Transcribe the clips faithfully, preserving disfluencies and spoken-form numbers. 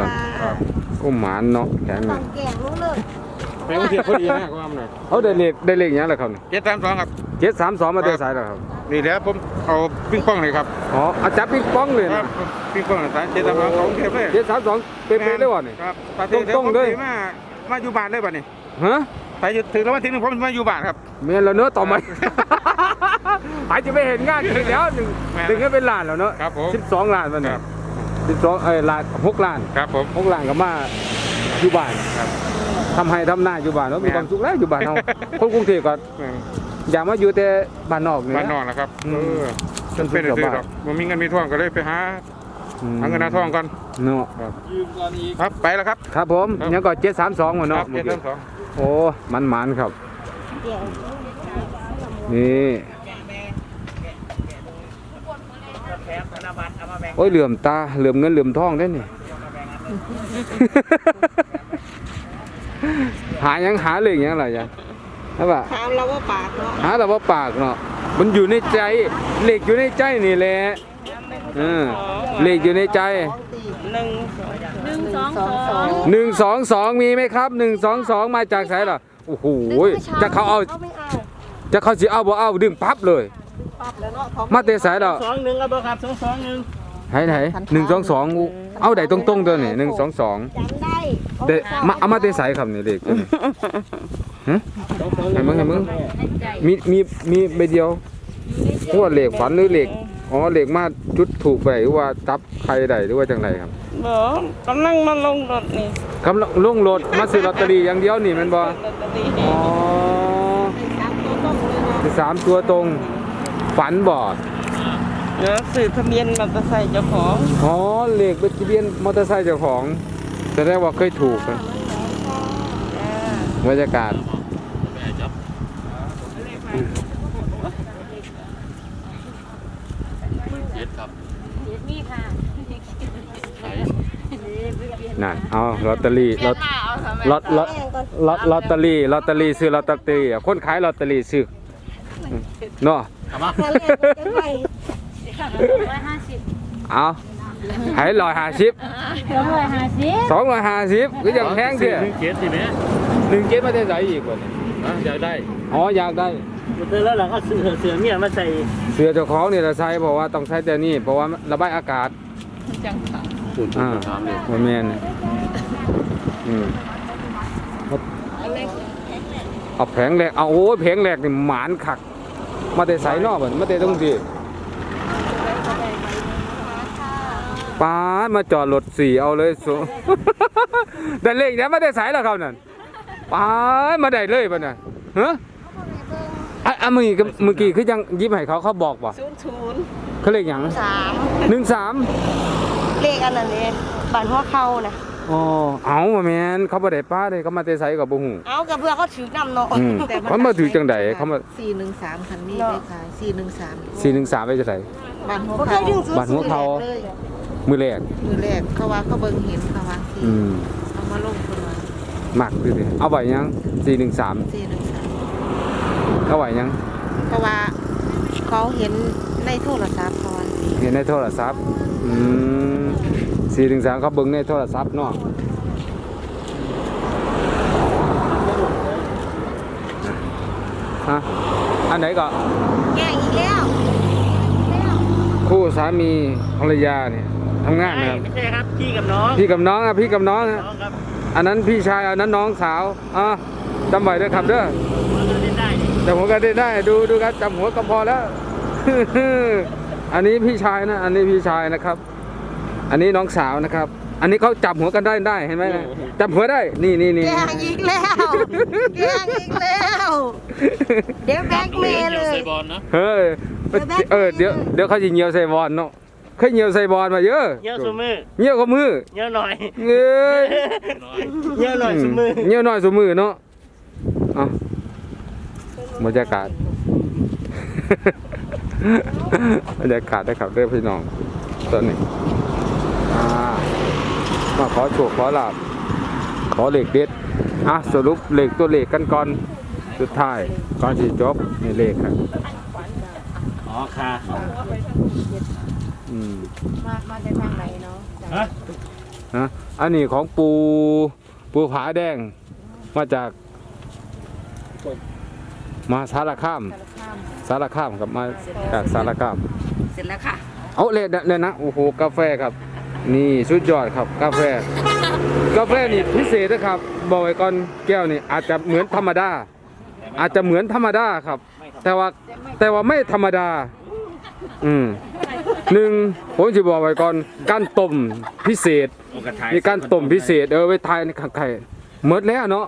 ตอนอุ้มหมานเนาะแข็งต้องแกงรู้เลยแม่งเทียบพอดีมากกว่ามันหน่อยเขาได้เลขได้เลขยังไงครับเจ็ดสามสองครับเจ็ดสามสองมาเตะสายแล้วครับนี่แหละผมเอาปิ้งป้องเลยครับอ๋ออาจับปิ๊กป้องเลยครันะบปิ้งป้องสายเจ็ดสามสองของเทียบเลยเจ็ดสามสองเป๊ะๆเลยวะนี่ครับตรงๆเลยมามาอยู่บ้านเลยบ้านนี้ฮะไปถึงแล้ววันที่หนึ่งผมมาอยู่บ้านครับเมียนเราเนื้อต่อไหม อาจจะไม่เห็นงานอีกแล้วหนึ่งแม่นหนึ่งก็เป็นล้านแล้วเนาะครับผมสิบสองล้านมันคเนี่รัยบสิบสองเอ้ยล้านหกล้านครับผมหกล้านก็มาอยู่บ้านครับทำให้ทำหน้าอยู่บ้านเนาะมีแม่นความสุขแล้วอยู่บ้านเรา คนกรุงเทพก็อยากมาอยู่แต่บ้านนอกนี่บ้านนนะอกนะครับอืเอมอจนเป็นซื้อหรอกผมมีเงินมีทองก็เลยไปหาอืมหาเงินหาทองก่อนเนาะครับไปแล้วครับครับผมครับยังก็เจ็ดสามสองหมดคเนาะรับเจ็ดสามสองโอ้มันมันๆครับแกงนี่โอ้ยเหลื่อมตาเหลื่อมเงินเหลื่อมทองได้นี่ หายังหาเลยยังไรยังใช่ปะถามเราว่าปากเนาะหาเราว่าปากเนาะมันอยู่ในใจเหล็กอยู่ในใจนี่แหละเออเหล็กอยู่ในใจหนึ่งหนึ่งสองสองหนึ่งสองสองมีไหมครับหนึ่งสองสองมาจากไหนล่ะโอ้โหจะเขาเอาเขาไม่เอาจะเขาสิเอาบ่เอาดึงปั๊บเลยปั๊บแล้วเนาะของมาเตะสายเราสองหนึ่งเอาเบอร์ครับสองสองหนึ่งไหนไหนหนึ่งสองสองเอาได้ตรงๆตัวนี่หนึ่งสองสองจำได้เตะมาเอามาเตะสายครับนี่เด็กตัวนี้ฮะเห็นมึงเห็นมึงมีมีมีใบเดียวหัวเหล็กฝันหรือเหล็กอ๋อเหล็กมาจุดถูกไปหรือว่าจับใครใดหรือว่าจังไรครับเบอร์กำลังมาลงรถนี่กำลังลงรถมาซื้อลอตเตอรี่อย่างเดียวนี่แมันบ่ลอตเตอรี่อ๋อสามตัวตรงเลยเนาะสามตัวตรงฝันบ่เดี๋ยวสื่อทะเบียนมอเตอร์ไซค์เจ้าของอ๋อเหล็กเป็นทะเบียนมอเตอร์ไซค์เจ้าของแสดงว่าเคยถูกนะบรรยากาศนั่นเอาลอตเตอรี่ลอตลอตลอตลอตลอตเตอรี่ลอตเตอรี่ซื้อลอตเตอรี่อ่ะคนขายลอตเตอรี่ซื้อเนาะถ้าเรียกว่าจะไปเอาให้ร้อยห้าสิบสองร้อยห้าสิบสองร้อยห้าสิบก็ยังแพงเสียหนึ่งเจ็ดสิแม่หนึ่งเจ็ดมาได้ใส่อีกว่านี่อยากได้อ๋ออยากได้เจอแล้วเราก็เสือเสือเมียมาใส่เสื้อเจ้าของนี่เราใช้เพราะว่าต้องใช้แต่นี่เพราะว่าระบายอากาศจังค่ะอ่าโมเมนอืมเอาแผงแหลกเอาโอ้ยแผงแหลกนี่หมานขัก มาแต่ใส่นอกเหมือนมาแต่ตรงที่ป้าดมาจอดรถสี่เอาเลยสู แต่เลขนี้มาแต่ใส่แล้วเขานั่นป้าดมาได้เลยป่ะน่ะฮะอ่ะอ่ะเมื่อกี้เมื่อกี้คือยังยิ้มให้เขาเขาบอกป่ะศูนย์ศูนย์เขาเลขหยังสามหนึ่งสามเลขอันนั้นเองบัตรหัวเข้านะอ๋อเอามาแมนเขาบ่ได้ป้าเลยเขามาแต่ใส่กับบ่ฮู้เอากับเพื่อเขาถือน้ำเนาะอืมเขามาถือจังใดเขามาสี่หนึ่งสามคันนี้ไปขายสี่หนึ่งสามสี่หนึ่งสามไปจะไสบ้านหัวบ่เคเขายดึงซื้อบัตรหัวเขาเลยมือแรกมือแรกเขาว่าเขาเบิ่งเห็นเขาว่าสี่อืมเอามาลงคนว่ามักดูสิเอาไว้ยังสี่หนึ่งสามสี่หนึ่งสามเอาไว้ยังเขาว่าเขาเห็นในโทรศัพท์เขาว่าเห็นในโทรศัพท์อืมสี่หนึ่งสามเขาเบิ่งในโทรศัพท์เนาะฮะอันไหนก็แกงอีกแล้วคู่สามีภรรยาเนี่ยทำงานนะครับไม่ใช่ครับพี่กับน้องพี่กับน้องอะพี่กับน้องอะน้องครับอันนั้นพี่ชายอันนั้นน้องสาวอ่ะจำไว้ด้วยครับเด้อเราเล่นได้จำหัวกันได้ได้ดูดูกันจำหัวก็พอแล้ว อันนี้พี่ชายนะ อันนี้พี่ชายนะครับ อันนี้น้องสาวนะครับ อันนี้เขาจับหัวกันได้ได้เห็นไหมนะจับหัวได้นี่นี่นี่แกงอีกแล้วแกงอีกแล้วเดี๋ยวแบกเมย์เลยเฮ้ยเออเดี๋ยวเดี๋ยวเขาจะเหนียวใส่บอลเนาะเคยเหนียวใส่บอลมาเยอะเยอะสมือเหนียวกับมือเยอะหน่อยเงยเยอะหน่อยสมือเหนียวหน่อยสมือเนาะเอาบรรยากาศ บรรยากาศได้ครับเด้อพี่น้องตอนนี้อ่ามาขอโชคขอลาบขอเหล็กเด็ดอ่ะสรุปเหล็กตัวเหล็กกันก่อนสุดท้ายก่อนที่จบนี่เหล็กครับอ๋อค่ะอืมมามาจากทางไหนเนาะฮะนะอันนี้ของปูปูผาแดงมาจากมาสารคามสารคามครับมาจากสารคามเสร็จแล้วค่ะเอาเลยเนี่ยนะโอ้โหกาแฟครับ นี่สุดยอดครับกาแฟ กาแฟนี่พิเศษนะครับบอกไว้ก่อนแก้วนี่อาจจะเหมือนธรรมดา อาจจะเหมือนธรรมดาครับ แต่ว่าแต่ว่าไม่ธรรมดา อืมหนึ่งผมจะบอกไว้ก่อนการต้มพิเศษมีการต้มพิเศษเออไว้ทายในไข่หมดแล้วเนาะ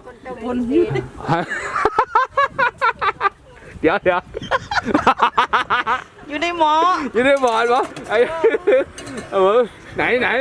เดี๋ยวเดี๋ยวอยู่ในหมออยู่ในบอร์ดปะไอ้เออไหนไหน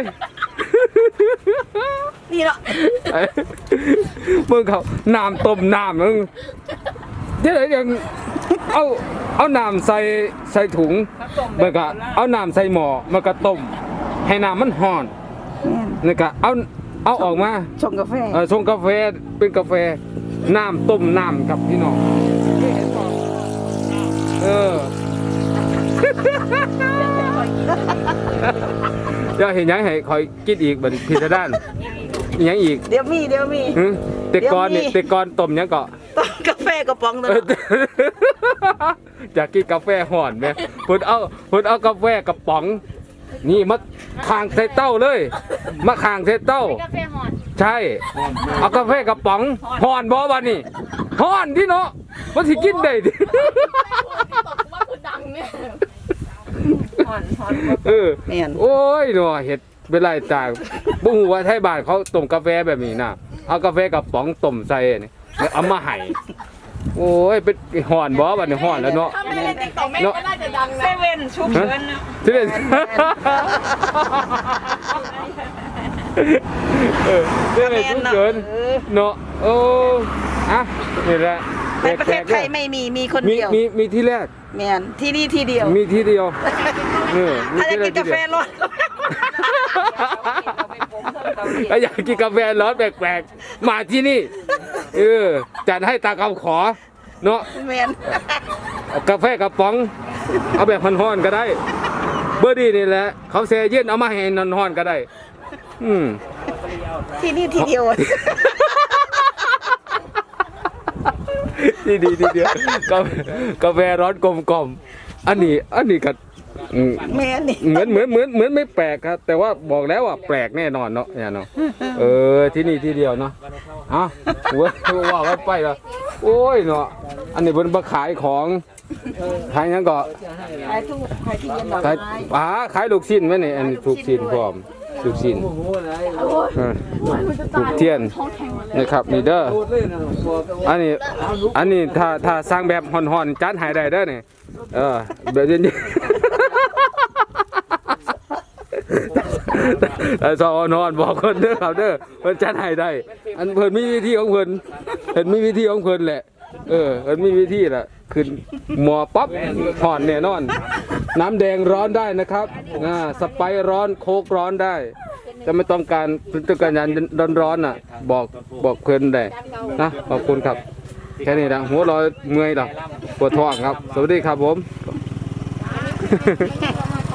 นี่เนาะไอ้มึงเขาน้ำต้มน้ำมึงเดี๋ยวยังเอาเอาน้ำใส่ใส่ถุงมันก็เอาน้ำใส่หม้อมันก็ต้มให้น้ำมันห่อนนี่ก็เอาเอาออกมาชงกาแฟเออชงกาแฟเป็นกาแฟน้ำต้มน้ำครับพี่น้องเออ เดี๋ยวเห็นยังให้คอยกินอีกบัดพิซด้านอีกยังอีกเดี๋ยวมีเดี๋ยวมีหึแต่ก่อนเนี่ยเดี๋ยวมีแต่ก่อนต้มยังเกาะต้มกาแฟกระป๋องนึงเอออยากกินกาแฟห่อนไหมพุ่นเอาพุ่นเอากาแฟกระป๋อง นี่มาคางใส่เต้าเลยมาคางใส่เต้ากาแฟหอนใช่ เอากาแฟกระป๋องห่อนบ่วันนี้ห่อนที่เนาะมันสิกินได้ดิว่าคือดังเนี่ยหอนหอนเออแม่นโอ้ยเนาะเห็ดเป็นไรต่างบุ้งว่าไทยบ้านเขาต้มกาแฟแบบนี้นะเอากาแฟกระป๋องต้มใส่นี่แล้วเอามาให้โอ้ยเป็นห่อนบ่วันนี้ห่อนแล้วเนาะถ้าไม่ได้ติ๊กต็อกแม่ก็น่าจะดังนะเซเว่นชุบเงินนะที่เป็นเออที่เป็นทุกเกินเนาะโอ้อะนี่แหละในประเทศไทยไม่มีมีคนมีเดียวมีมีที่แรกแม่นที่นี่ที่เดียวมีที่เดียวเออมีถ้าจะที่แรกินกาแฟที่เดียวร้อนถ้าอยากกินกาแฟร้อนแปลกๆมาที่นี่เออจัดให้ตามคำขอเนาะแม่นเอากาแฟกระป๋อง เอาแบบฮ้อนๆก็ได้ เบอร์ดีนี่แหละเขาแช่เย็นเอามาให้นอนๆก็ได้ อืมที่นี่ที่เดียวดีดีดีเดียวกาแฟกาแฟร้อนกลมๆอันนี้อันนี้ก็อืมแม่นนี่เหมือนเหมือนเหมือนเหมือนไม่แปลกครับ แต่ว่าบอกแล้วว่าแปลกแน่นอนเนาะเนี่ยเนาะเออที่นี่ที่เดียวเนาะเอ้าหัวว่าว่าไปแล้วโอ้ยเนาะอันนี้เป็นมาขายของขายหยังก็ขายทุกขายที่เย็นดอกขายไม้ป๋าขายลูกชิ้นไหมนี่อันนี้ลูกชิ้นพร้อมลูกชิ้นเออลูกเทียนนะครับนี่เด้ออันนี้อันนี้ถ้าถ้าสร้างแบบห่อนๆจัดให้ได้เด้อนี่เออแบบเย็นๆแต่สอนอนบอกคนเด้อครับเด้อเพิ่นจัดให้ได้ อันเพิ่นมีวิธีของเพิ่นเพิ่นมีวิธีของเพิ่นแหละ เออเพิ่นมีวิธีแหละขึ้นหม้อปั๊บห่อนแน่นอน น้ำแดงร้อนได้นะครับอ่าสไปร์ร้อนโค้กร้อนได้จะไม่ต้องการต้องการยันร้อนๆน่ะ บอกบอกเพิ่นได้นะขอบคุณครับแค่นี้นะหัวเรอยเมื่อยหรอปวดท้องครับ สวัสดีครับผม